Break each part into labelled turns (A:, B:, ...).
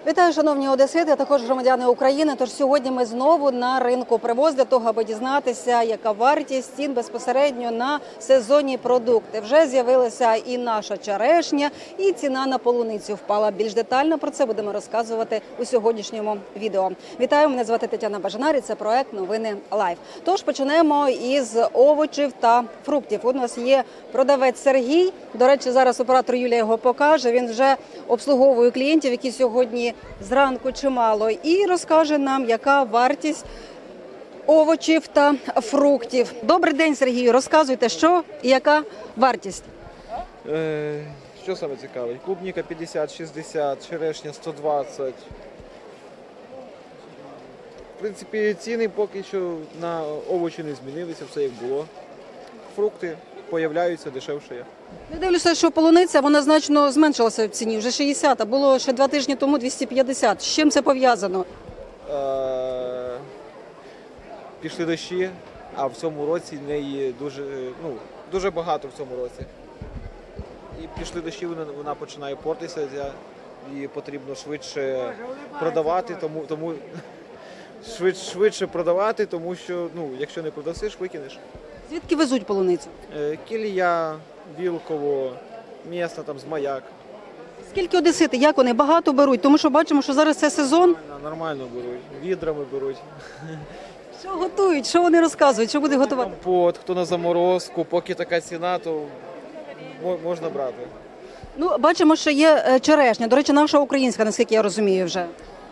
A: Вітаю, шановні одесити, а також громадяни України. Тож сьогодні ми знову на ринку привоз для того, аби дізнатися, яка вартість цін безпосередньо на сезонні продукти. Вже з'явилася і наша черешня, і ціна на полуницю впала. Більш детально про це будемо розказувати у сьогоднішньому відео. Вітаю, мене звати Тетяна Бажанар і це проект «Новини Лайв». Тож почнемо із овочів та фруктів. У нас є продавець Сергій. До речі, зараз оператор Юлія його покаже. Він вже обслуговує клієнтів, які сьогодні зранку чимало, і розкаже нам, яка вартість овочів та фруктів. Добрий день, Сергію. Розказуйте, що і яка вартість?
B: Що саме цікаве? Клубніка 50-60, черешня 120. В принципі, ціни поки що на овочі не змінилися, все як було. Фрукти появляються, дешевше є.
A: Я дивлюся, що полуниця, вона значно зменшилася в ціні, вже 60, а було ще 2 тижні тому 250. З чим це пов'язано?
B: Пішли дощі, а в цьому році неї дуже багато в цьому році. І пішли дощі, вона починає портитися, її потрібно швидше продавати, тому швидше продавати, тому що якщо не продасиш, викинеш.
A: Звідки везуть полуницю?
B: Кілія, Вілково, місто там з Маяк.
A: Скільки одесити, як вони багато беруть? Тому що бачимо, що зараз це сезон.
B: Нормально беруть, відрами беруть.
A: Що готують, що вони розказують, що буде готувати?
B: Компот, хто на заморозку, поки така ціна, то можна брати.
A: Бачимо, що є черешня. До речі, наша українська, наскільки я розумію вже.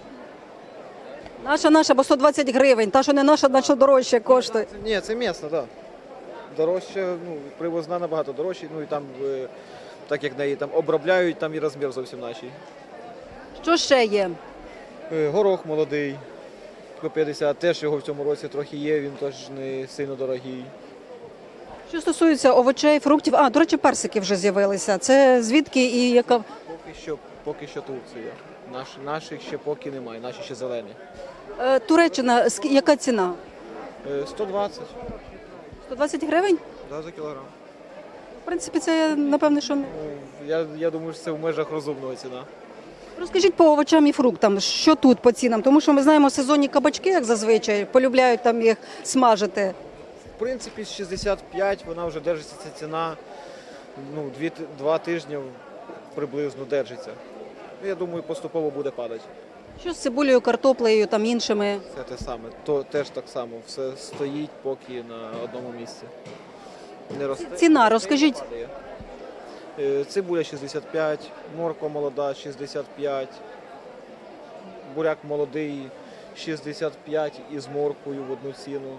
A: Наша, бо 120 гривень. Та, що не наша, значно дорожче коштує.
B: Ні, це місна, так. Дорожче, привозна набагато дорожче. І там, так як неї там обробляють, там і розмір зовсім наший.
A: Що ще є?
B: Горох молодий, по 50, теж його в цьому році трохи є, він теж не сильно дорогий.
A: Що стосується овочей, фруктів, до речі, персики вже з'явилися. Це звідки і яка?
B: Поки що Турція. Наших ще поки немає, наші ще зелені.
A: Туреччина, яка ціна?
B: 120.
A: 120 гривень?
B: Да, за кілограм.
A: В принципі, це, напевне, що...
B: Я думаю, що це в межах розумного ціна.
A: Розкажіть по овочам і фруктам, що тут по цінам? Тому що ми знаємо сезонні кабачки, як зазвичай, полюбляють там їх смажити.
B: В принципі, з 65 вона вже держиться, ця ціна, 2 тижні приблизно держиться. Я думаю, поступово буде падати.
A: Що з цибулею, картоплею, там іншими?
B: Все те саме, то теж так само, все стоїть поки на одному місці. Не росте.
A: Ціна, розкажіть.
B: Падає. Цибуля 65, морква молода 65, буряк молодий 65 із морквою в одну ціну.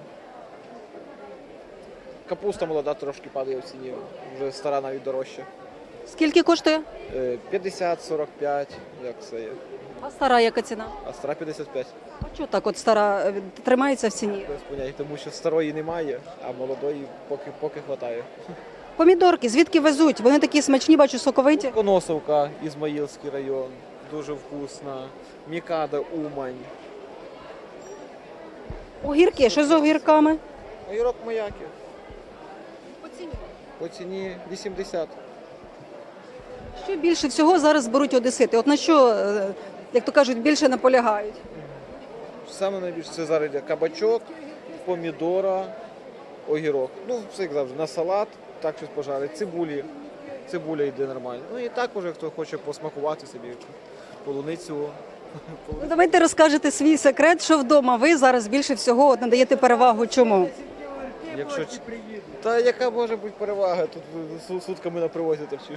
B: Капуста молода трошки падає в ціні, вже стара навіть дорожча.
A: Скільки коштує?
B: 50-45, як це є.
A: А стара яка ціна?
B: А стара 55.
A: А чого так от стара тримається в ціні?
B: Без поняття, тому що старої немає, а молодої поки хватає.
A: Помідорки, звідки везуть? Вони такі смачні, бачу, соковиті.
B: Коносовка, Ізмаїльський район, дуже вкусна. Мікада, Умань.
A: Огірки, що з огірками?
B: Огірок Маяки. По ціні 80.
A: Що більше всього зараз беруть одесити? От на що, як то кажуть, більше наполягають?
B: Саме найбільше це зараз йде кабачок, помідора, огірок. Все як завжди, на салат, так щось пожарить, цибуля йде нормально. І так уже, хто хоче посмакувати собі полуницю.
A: Давайте розкажете свій секрет, що вдома ви зараз більше всього надаєте перевагу чому?
B: Та яка може бути перевага? Тут сутками на привозі торчиш.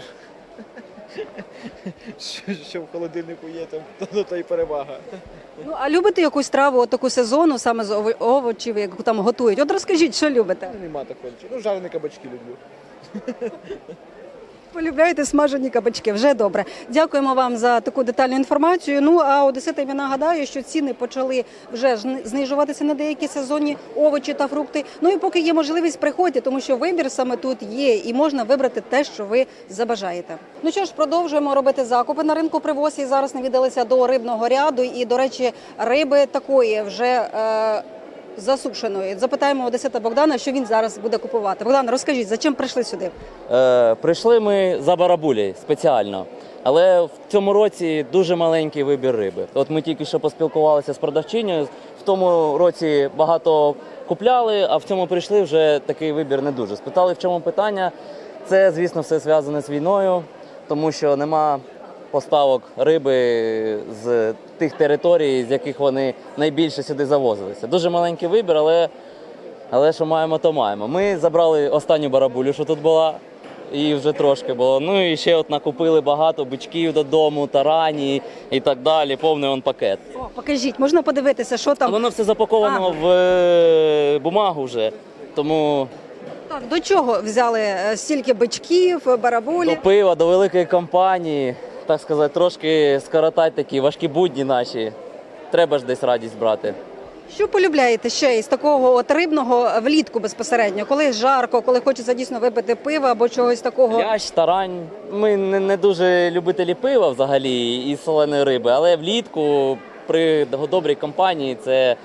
B: Що в холодильнику є, то й перевага.
A: А любите якусь траву, таку сезонну, саме з овочів, яку там готують? От розкажіть, що любите?
B: Нема такого. Жарені кабачки люблю.
A: Полюбляєте смажені кабачки, вже добре. Дякуємо вам за таку детальну інформацію. А одеситам я нагадаю, що ціни почали вже знижуватися на деякі сезонні овочі та фрукти. І поки є можливість, приходьте, тому що вибір саме тут є і можна вибрати те, що ви забажаєте. Що ж, продовжуємо робити закупи на ринку привоз і зараз навідалися до рибного ряду. І, до речі, риби такої вже засушеної. Запитаємо одесита Богдана, що він зараз буде купувати. Богдан, розкажіть, за чим прийшли сюди?
C: Прийшли ми за барабулею спеціально. Але в цьому році дуже маленький вибір риби. От ми тільки що поспілкувалися з продавчинею. В тому році багато купляли, а в цьому прийшли вже такий вибір не дуже. Спитали, в чому питання. Це, звісно, все зв'язане з війною, тому що нема поставок риби з тих територій, з яких вони найбільше сюди завозилися. Дуже маленький вибір, але що маємо, то маємо. Ми забрали останню барабулю, що тут була, і вже трошки було. Ну і ще от накупили багато бичків додому, тарані і так далі. Повний он пакет.
A: О, покажіть, можна подивитися, що
C: А
A: там.
C: воно все запаковано в бумагу вже, тому
A: Так, до чого взяли стільки бичків, барабулі?
C: до пива, до великої компанії, так сказати, трошки скоротати такі важкі будні наші. Треба ж десь радість брати.
A: Що полюбляєте ще із такого от рибного влітку безпосередньо? Коли жарко, коли хочеться дійсно випити пива або чогось такого?
C: Лящ, тарань. Ми не дуже любителі пива взагалі і соленої риби, але влітку при добрій компанії це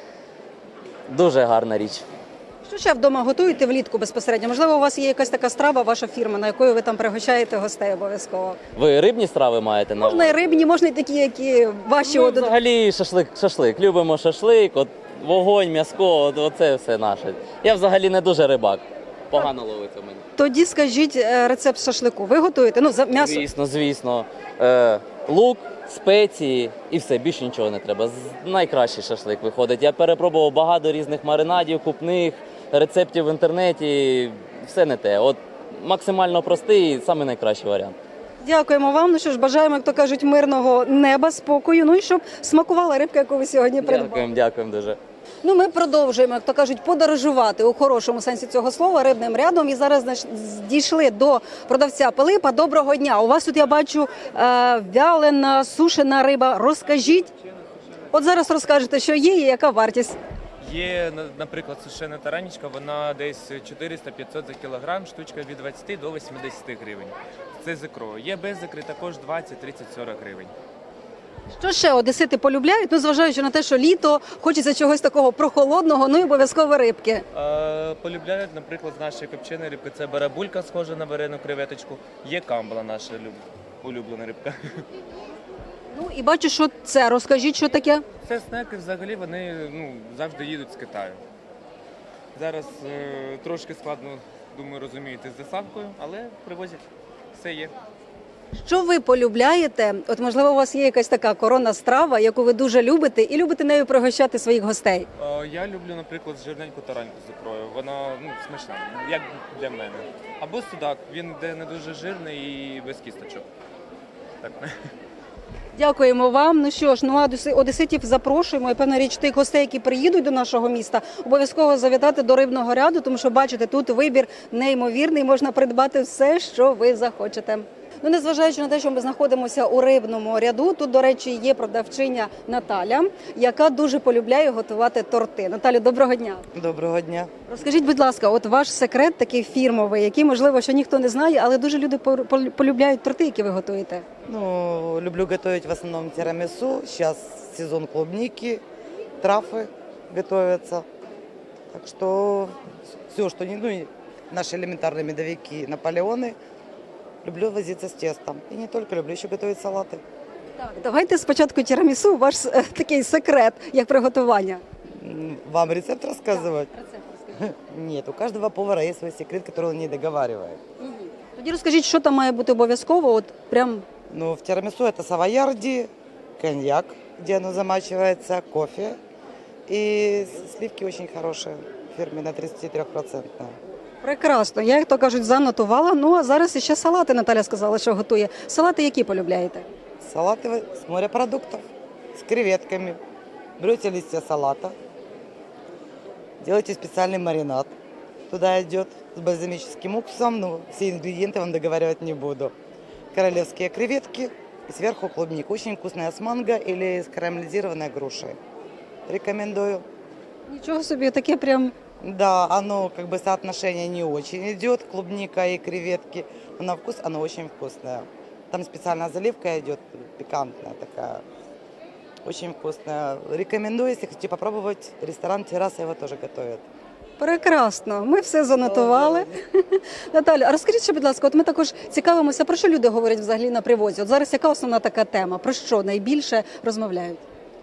C: дуже гарна річ.
A: Що ще вдома готуєте влітку безпосередньо? Можливо, у вас є якась така страва, ваша фірма, на якою ви там пригощаєте гостей обов'язково?
C: Ви рибні страви маєте на увазі?
A: Можна і рибні, можна і такі, які ваші.
C: Ми взагалі шашлик. Любимо шашлик, от вогонь, м'яско, оце все наше. Я взагалі не дуже рибак. Погано ловиться в мене.
A: Тоді скажіть рецепт шашлику. Ви готуєте? Ну, за м'ясо.
C: Звісно. Лук, спеції і все, більше нічого не треба. Найкращий шашлик виходить. Я перепробував багато різних маринадів, купних, рецептів в інтернеті. Все не те. От максимально простий, самий найкращий варіант.
A: Дякуємо вам. Ну що ж, бажаємо, як то кажуть, мирного неба, спокою. Ну і щоб смакувала рибка, яку ви сьогодні придбали.
C: Дякуємо дуже.
A: Ну, ми продовжуємо, як то кажуть, подорожувати у хорошому сенсі цього слова рибним рядом. І зараз дійшли до продавця Пилипа. Доброго дня. У вас тут, я бачу, вялена, сушена риба. Розкажіть. От зараз розкажете, що є і яка вартість.
D: Є, наприклад, сушена таранічка, вона десь 400-500 за кілограм, штучка від 20 до 80 гривень. Це з ікрою. Є без ікри також 20, 30, 40 гривень.
A: Що ще одесити полюбляють? Ну, зважаючи на те, що літо, хочеться чогось такого прохолодного, ну і обов'язково рибки.
D: Полюбляють, наприклад, з нашої копченої рибки. Це барабулька, схожа на варену креветочку. Є камбала, наша улюблена рибка.
A: Ну і бачу, що це. Розкажіть, що таке?
D: Це снеки, взагалі, вони завжди їдуть з Китаю. Зараз трошки складно, думаю, розумієте, з доставкою, але привозять. Все є.
A: Що ви полюбляєте? От, можливо, у вас є якась така коронна страва, яку ви дуже любите, і любите нею пригощати своїх гостей?
D: Я люблю, наприклад, жирненьку тараньку з ікрою. Вона смачна, як для мене. Або судак, він йде не дуже жирний і без кісточок. Так.
A: Дякуємо вам. Ну що ж, одеситів запрошуємо. І певна річ тих гостей, які приїдуть до нашого міста, обов'язково завітати до рибного ряду, тому що, бачите, тут вибір неймовірний, можна придбати все, що ви захочете. Ну, незважаючи на те, що ми знаходимося у рибному ряду, тут, до речі, є продавчиня Наталя, яка дуже полюбляє готувати торти. Наталю, доброго дня.
E: Доброго дня.
A: Розкажіть, будь ласка, от ваш секрет такий фірмовий, який, можливо, що ніхто не знає, але дуже люди полюбляють торти, які ви готуєте.
E: Ну, люблю готовить в основном тирамису. Сейчас сезон клубники, трафы готовятся. Так что все, что не, ну, наши элементарные медовики, наполеоны, люблю возиться с тестом. И не только, люблю еще готовить салаты.
A: Так, давайте спочатку тірамісу, ваш такий секрет, як приготування.
E: Вам рецепт рассказывать?
A: Рецепт розкажіть.
E: Нет, у каждого повара есть свой секрет, который он не договаривает.
A: Тоді розкажіть, що там має бути обов'язково, от прям.
E: Ну, в тирамису это савоярди, коньяк, где оно замачивается, кофе. И сливки очень хорошие, фирменные, 33%.
A: Прекрасно. Я, як то кажуть, занотувала. Ну, а зараз ще салати, Наталя сказала, що готує. Салати які полюбляєте?
E: Салаты с морепродуктов, с креветками. Берете листья салата, делаете специальный маринад. Туда идет с бальзамическим уксусом, ну, все ингредиенты вам договаривать не буду. Королевские креветки и сверху клубника. Очень вкусная с манго или с карамелизированной грушей. Рекомендую.
A: Нічого собі, таке прям.
E: Да, оно как бы соотношение не очень идет, клубника и креветки, но на вкус оно очень вкусное. Там специальная заливка идет, пикантная такая, очень вкусная. Рекомендую, если хотите попробовать, ресторан «Терраса» его тоже готовит.
A: Прекрасно, ми все занотували. Наталя, а розкажіть ще, будь ласка, от ми також цікавимося, про що люди говорять взагалі на привозі. От зараз яка основна така тема? Про що найбільше розмовляють?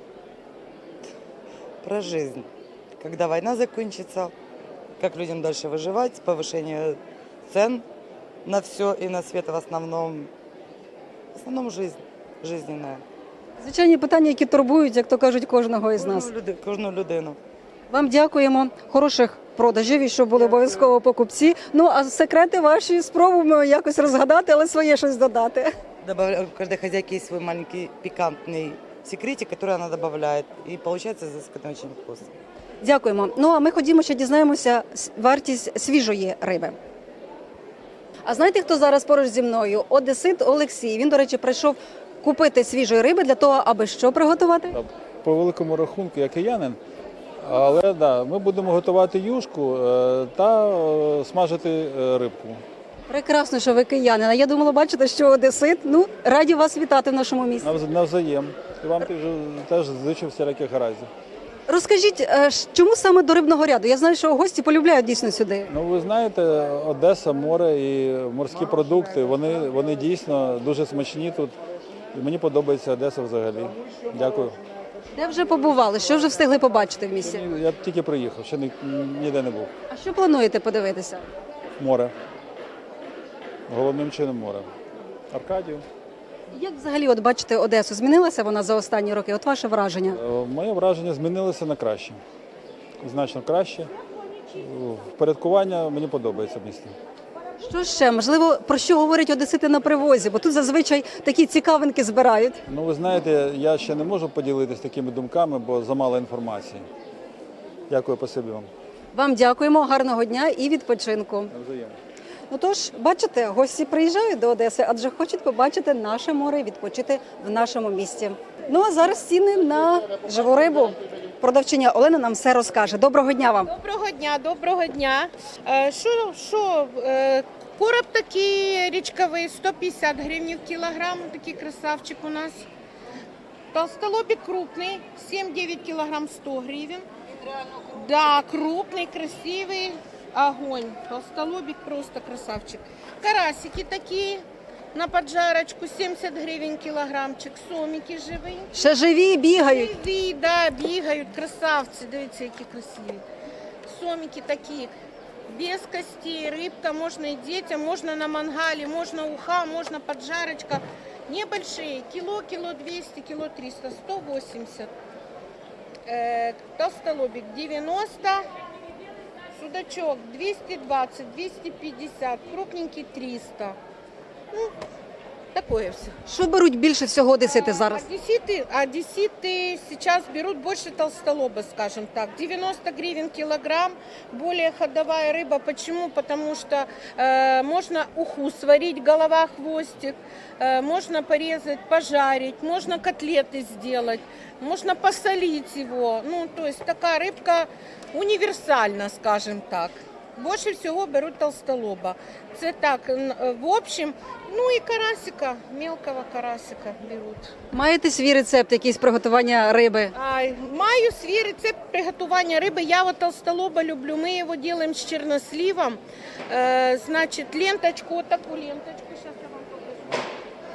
E: Про жизнь. Когда война закончится, как людям дальше выживать, повышение цен на все и на свет в основном жизнь, жизненная.
A: Звичайні питання, які турбують, як то кажуть, кожного із нас.
E: Кожну людину.
A: Вам дякуємо, хороших продажів і щоб були обов'язково покупці. Ну, а секрети ваші спробуємо якось розгадати, але своє щось додати.
E: У каждой хозяйки есть свой маленький пикантный секретик, который она добавляет. И получается изысканно очень вкусно.
A: Дякуємо. Ну, а ми ходімо ще дізнаємося вартість свіжої риби. А знаєте, хто зараз поруч зі мною? Одесит Олексій. Він, до речі, прийшов купити свіжої риби для того, аби що приготувати?
F: По великому рахунку, я киянин, але да, ми будемо готувати юшку та смажити рибку.
A: Прекрасно, що ви киянин. А я думала, бачите, що Одесит. Ну, раді вас вітати в нашому місті.
F: Навзаєм. І вам теж зичу всіляких гараздів.
A: Розкажіть, чому саме до рибного ряду? Я знаю, що гості полюбляють дійсно сюди.
F: Ну, ви знаєте, Одеса, море і морські продукти, вони дійсно дуже смачні тут. І мені подобається Одеса взагалі. Дякую.
A: Де вже побували? Що вже встигли побачити в місті?
F: Я тільки приїхав, ще ніде не був.
A: А що плануєте подивитися?
F: Море. Головним чином море. Аркадію.
A: Як взагалі от бачите Одесу? Змінилася вона за останні роки? От ваше враження?
F: Моє враження змінилося на краще. Значно краще. Впорядкування мені подобається в місті.
A: Що ще? Можливо, про що говорять одесити на привозі? Бо тут зазвичай такі цікавинки збирають.
F: Ну, ви знаєте, я ще не можу поділитися такими думками, бо замало інформації. Дякую, спасибі вам.
A: Вам дякуємо, гарного дня і відпочинку.
F: Навзаєм.
A: Ну тож, бачите, гості приїжджають до Одеси, адже хочуть побачити наше море і відпочити в нашому місті. Ну а зараз ціни на живу рибу. Продавчиня Олена нам все розкаже. Доброго дня вам.
G: Доброго дня, доброго дня. Короб такий річковий, 150 гривень в кілограм, такий красавчик у нас. Толстолобик крупный, 7-9 килограмм 100 гривен. Да, крупный, красивый, огонь. Толстолобик просто красавчик. Карасики такие на поджарочку, 70 гривен килограммчик. Сомики живые.
A: Ще живі бігають.
G: Живі, да, бігають, красавці, дивіться, які красиві. Сомики такі, без костей, рибка, можна і дітям, можна на мангалі, можна уха, можна поджарочка. Небольшие, кило 200, кило 300, 180. Толстолобик 90, судачок 220, 250, крупненький 300. Ну, такое все.
A: Що беруть більше всього одесити зараз?
G: Одесситы сейчас берут больше толстолоба, скажем так. 90 гривен килограмм, более ходовая рыба. Почему? Потому что можно уху сварить, голова, хвостик, можно порезать, пожарить, можно котлеты сделать, можно посолить его. Ну, то есть такая рыбка универсальна, скажем так. Больше всего берут толстолоба. Це так, в общем, ну і карасика, мелкого карасика беруть.
A: Маєте свій рецепт, якийсь приготування риби?
G: Маю свій рецепт приготування риби. Я вот толстолоба люблю. Мы его делаем с черносливом. Значит, ленточку, вот такую ленточку. Сейчас я вам покажу.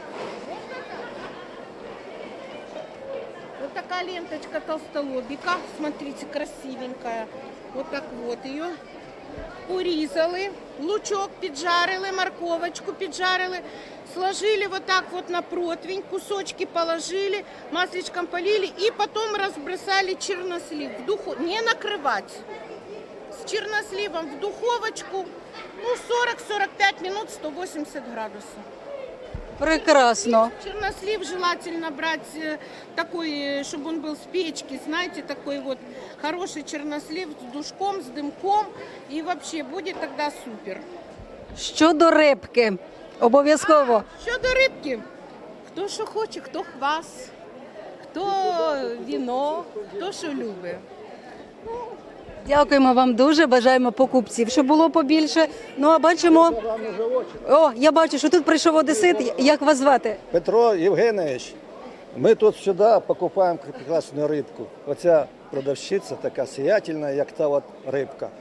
G: Вот такая ленточка толстолобика. Смотрите, красивенькая. Вот так вот ее. Урізали, лучок піджарили, морковочку піджарили, сложили вот так вот на противень, кусочки положили, масличком полили и потом разбросали чернослив. Не накрывать. С черносливом в духовочку, ну 40-45 минут, 180 градусов.
A: Прекрасно.
G: Чернослив желательно брать такой, чтобы он был с печки, знаете, такой вот хороший чернослив с душком, с дымком, и вообще будет тогда супер.
A: Щодо рибки, обов'язково.
G: Щодо рибки, хто що хоче, хто квас, хто віно, хто що любить.
A: Дякуємо вам дуже, бажаємо покупців, щоб було побільше. Ну а бачимо, я бачу, що тут прийшов одесит. Як вас звати?
H: Петро Євгенович, ми тут сюди покупаємо прекрасну рибку. Оця продавщиця така сіятельна, як та от рибка.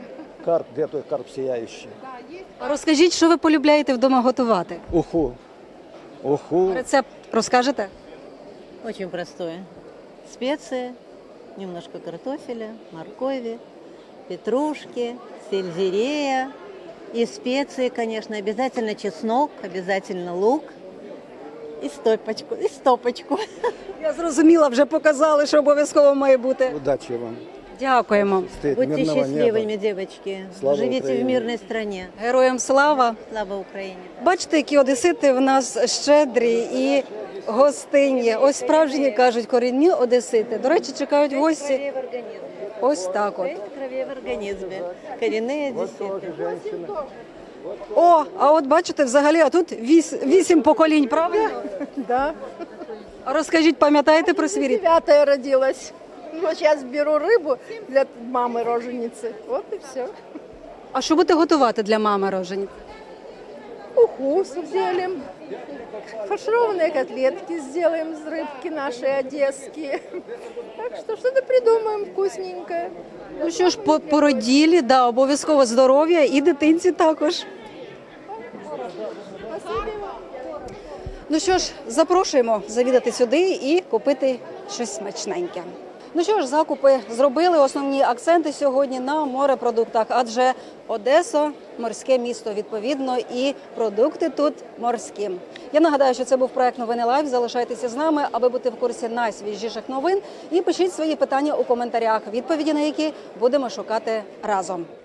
H: карп, где той карп сияющий.
A: А розкажіть, що ви полюбляєте вдома готувати?
H: Уху. Уху.
A: Рецепт розкажете?
I: Очень простое. Специи, немножко картофеля, моркови, петрушки, сельдерея и специи, конечно, обязательно чеснок, обязательно лук и стопочку.
A: Я зрозуміла, вже показали, що обов'язково має бути.
H: Удачи вам.
A: Дякуємо.
H: Стоит
I: Будьте
H: мирного
I: счастливыми,
H: неба.
I: девочки.
H: Слава
I: Живите
H: Украине.
I: в мирной стране.
A: Героям слава!
I: Слава Украине.
A: Бачите, які одесити в нас щедрі і гостинні. Ось справжні, кажуть, корінні одесити. До речі, чекають гості.
I: Крови в организме.
A: Ось так от.
I: Пять кровей в организме. Коренные одесситы.
A: О, а от бачите, взагалі, а тут 8 поколінь, правильно?
J: Да,
A: А розкажіть, пам'ятаєте про свій рід?
J: 9-я родилась. Вот сейчас беру рыбу для мамы роженицы. Вот и все.
A: А що будете готувати для мами рожені?
J: Уху сделаем. Фаршированные котлетки сделаем из рыбки нашей одесские. Так что что-то придумаем вкусненькое.
A: Ну що ж, по породілі, да, обов'язково здоров'я і дитинці також. Ну що ж, запрошуємо завідати сюди і купити щось смачненьке. Ну що ж, закупи зробили. Основні акценти сьогодні на морепродуктах, адже Одеса – морське місто, відповідно, і продукти тут морські. Я нагадаю, що це був проект «Новини Лайв». Залишайтеся з нами, аби бути в курсі найсвіжіших новин. І пишіть свої питання у коментарях, відповіді на які будемо шукати разом.